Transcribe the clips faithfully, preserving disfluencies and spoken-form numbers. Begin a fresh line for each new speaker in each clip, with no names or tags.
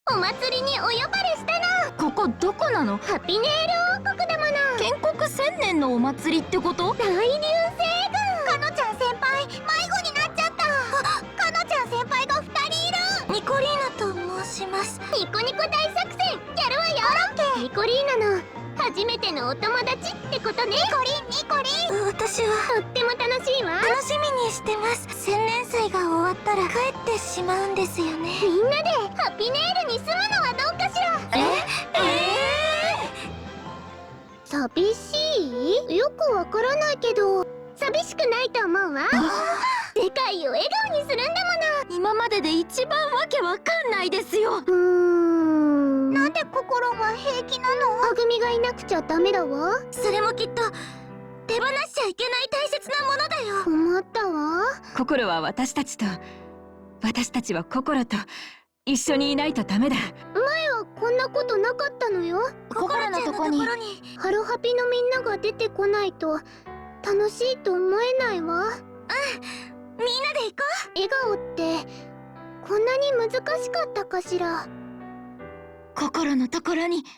お祭りにお呼ばれしたの。
ここどこなの？
ハピネール王国だもの。
建国千年のお祭りってこと？
大流星群。かのちゃん先輩迷子になっちゃった。かのちゃん先輩がふたりいる。ニコリーナと申します。ニコニコ大作戦やるわよ。ニコリーナの初めてのお友達ってことね。ニコリンニコリン。私はとっても楽しいわ。楽しみにしてます。千年祭が終わったら帰ってしまうんですよね。みんなでハピネールに住むのはどうかしら。ええー、寂しい？よくわからないけど寂しくないと思うわ。世界を笑顔にするんだもの。
今までで一番わけわかんないですよ。
うーん、なんで心が平気なの？はぐみがいなくちゃダメだわ。それもきっと手放しちゃいけない大切なものだよ。思ったわ。
心は私たちと、私たちは心と一緒にいないとダメだ。
前はこんなことなかったのよ。
心のとこに
ハロハピのみんなが出てこないと楽しいと思えないわ。うん、みんなで行こう。笑顔ってこんなに難しかったかしら。
心のところに。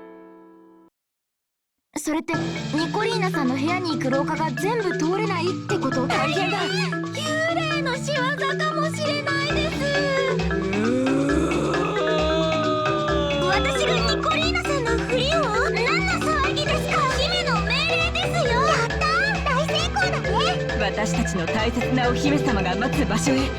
それってニコリーナさんの部屋に行く廊下が全部通れないってこと？大変だ。
幽霊の仕業かもしれないです。私がニコリーナさんのふりを？何の騒ぎですか？姫の命令ですよ。やったー、大成功だね。
私たちの大切なお姫様が待つ場所へ。
みんな、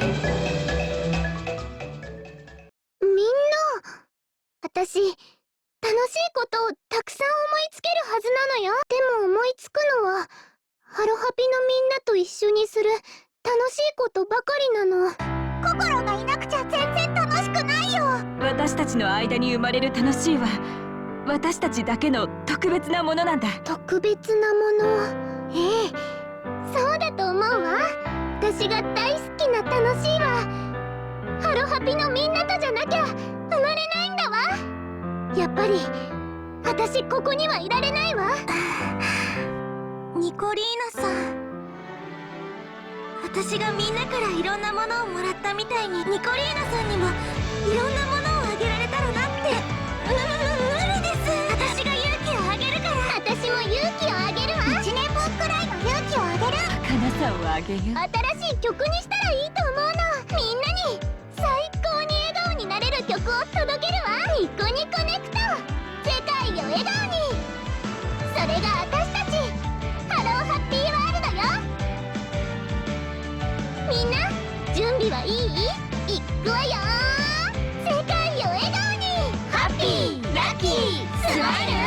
私楽しいことをたくさん思いつけるはずなのよ。でも思いつくのはハロハピのみんなと一緒にする楽しいことばかりなの。心がいなくちゃ全然楽しくないよ。
私たちの間に生まれる楽しいは私たちだけの特別なものなんだ。
特別なもの。ええ、そうだと思うわ。私が大好きな楽しいはハロハピのみんなとじゃなきゃ生まれないんだわ。やっぱり私ここにはいられないわ。ニコリーナさん、私がみんなからいろんなものをもらったみたいにニコリーナさんにもいろんなものをあげられたらなって。う無理です。私が勇気をあげるから。私も勇気をあげるわ。いちねんぶんくらいの勇気をあげる。
儚さをあげよう。
新しい曲にしたらいいと思うの。みんなに最高に笑顔になれる曲を届けるわ。ニコニコネクト、世界を笑顔に。それが私たちハローハッピーワールドよ。みんな準備はいい？いくわよ。世界を笑顔に。ハッピーラッキースマイル。